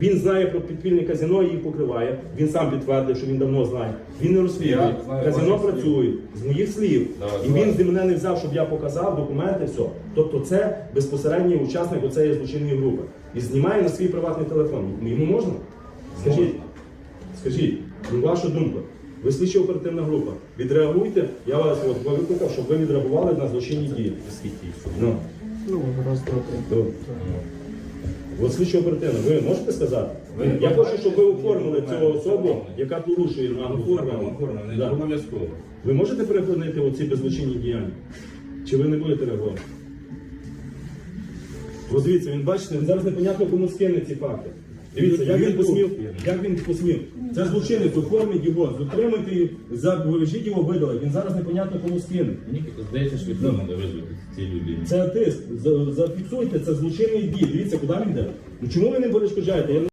Він знає про підпільне казино і їх покриває. Він сам підтвердив, що він давно знає. Він не розслідує. Казино працює з моїх слів. І він з мене не взяв, щоб я показав документи, все. Тобто це безпосередній учасник оцеї злочинної групи. І знімає на свій приватний телефон. Йому можна? Скажіть, ваша думка. Ви слідча оперативна група. Відреагуйте, я вас викликав, щоб ви відреагували на злочинні дії. Раз, два, три. От слідчо оперативно, ви можете сказати? Я хочу, щоб ви оформили цю особу, яка порушує норму. Оформлено, обов'язково. Ви можете перепинити оці беззлочинні діяння? Чи ви не будете реагувати? Ось дивіться, він бачите, він зараз непонятно кому скине ці факти. Дивіться, як він посмів. Це злочинець, оформіть його, затримуйте його, вивезіть його, видалить. Він зараз непонятно кому скине. Мені здається, що треба визвати цій людині. Це тиск. Зафіксуйте, це злочинний дій. Дивіться, куди він йде. Ну чому ви не перешкоджаєте?